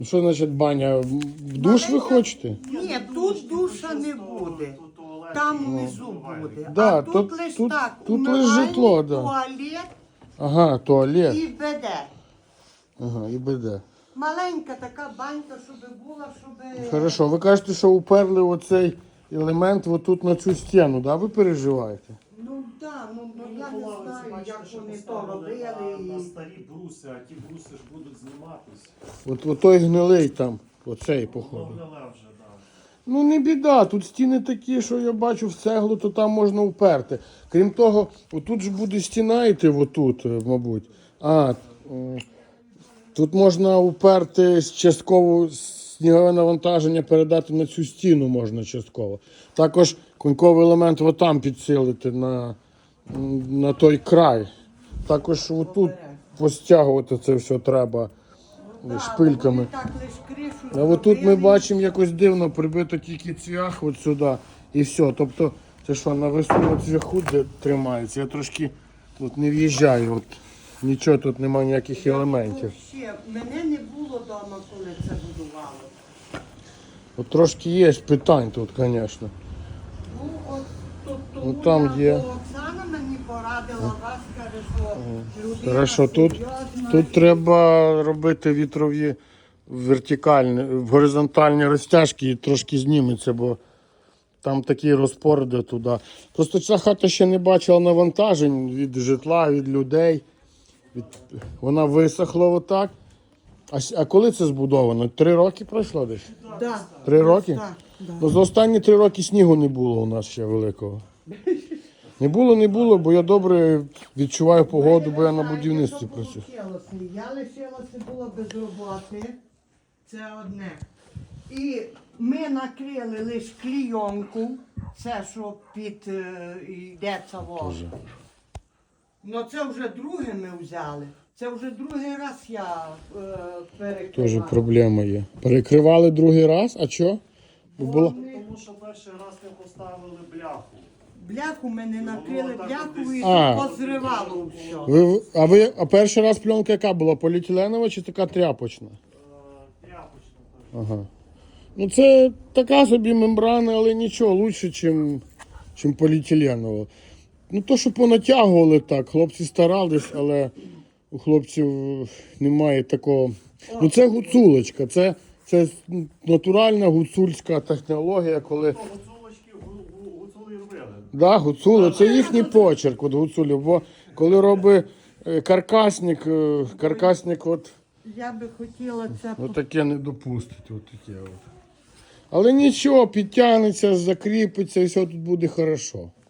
Що значить баня? В душ ви хочете? Ні, тут душа не буде. Там внизу буде. Да, а тут лиш так, тут лиш умивальник, житло, да. туалет Ага, туалет. і веде. Ага, і БД. Маленька така банька, щоб була, щоб... Хорошо, ви кажете, що уперли оцей елемент отут на цю стіну, да? Ви переживаєте? Ну так, я не знаю, як вони то На робили. старі бруси, а ті бруси ж будуть зніматись. От той гнилий там, оцей, походу. Повнила вже, так. Ну не біда, тут стіни такі, що я бачу в цеглу, то там можна уперти. Крім того, отут ж буде стіна йти, отут, мабуть. Тут можна уперти частково снігове навантаження, передати на цю стіну можна частково. Також коньковий елемент отам підсилити на той край. Також отут постягувати це все треба шпильками. Так, лиш кришу А от тут ми зробили. бачимо якось дивно прибито тільки цвях от сюди і все. Тобто це що, на високу цвяху де тримається. Я трошки тут не в'їжджаю. От. Нічого тут немає ніяких елементів. Ще, мене не було вдома, коли це будувало. От трошки є питань тут, звісно. Ну, от тут Ну, там є. Оксана мені порадила, вас каже, що людина Хорошо, серйозна. тут треба робити вітрові вертикальні, горизонтальні розтяжки і трошки зніметься, бо там такий розпор йде туди. Просто ця хата ще не бачила навантажень від житла, від людей. Вона висохла отак. А коли це збудовано? 3 роки пройшло десь? Да. 3 роки? Так, да. Ну, за останні 3 роки снігу не було у нас ще великого. Не було, бо я добре відчуваю погоду, бо я на будівництві працюю. Я лишилася було без роботи. Це одне. І ми накрили лише клійонку. Це що йдеться воно. Ну це вже друге ми взяли. Це вже другий раз я перекривала. Теж проблема є. Перекривали другий раз, а що? Було... Тому що перший раз не поставили бляху. Бляху ми не накрили, бляху і А. позривало все. А перший раз пленка яка була? Поліетиленова чи така тряпочна? Тряпочно. Ага. Ну це така собі мембрана, але нічого, лучше, чим поліетиленова. Ну то, що понатягували так, хлопці старались, але у хлопців немає такого. Ну це гуцулочка, це натуральна гуцульська технологія, коли... Гуцулочки гуцули робили. Да, гуцули, це їхній почерк от гуцулів, бо коли робить каркасник от Я би хотіла це таке не допустить. От таке от. Але нічого, підтягнеться, закріпиться і все тут буде хорошо.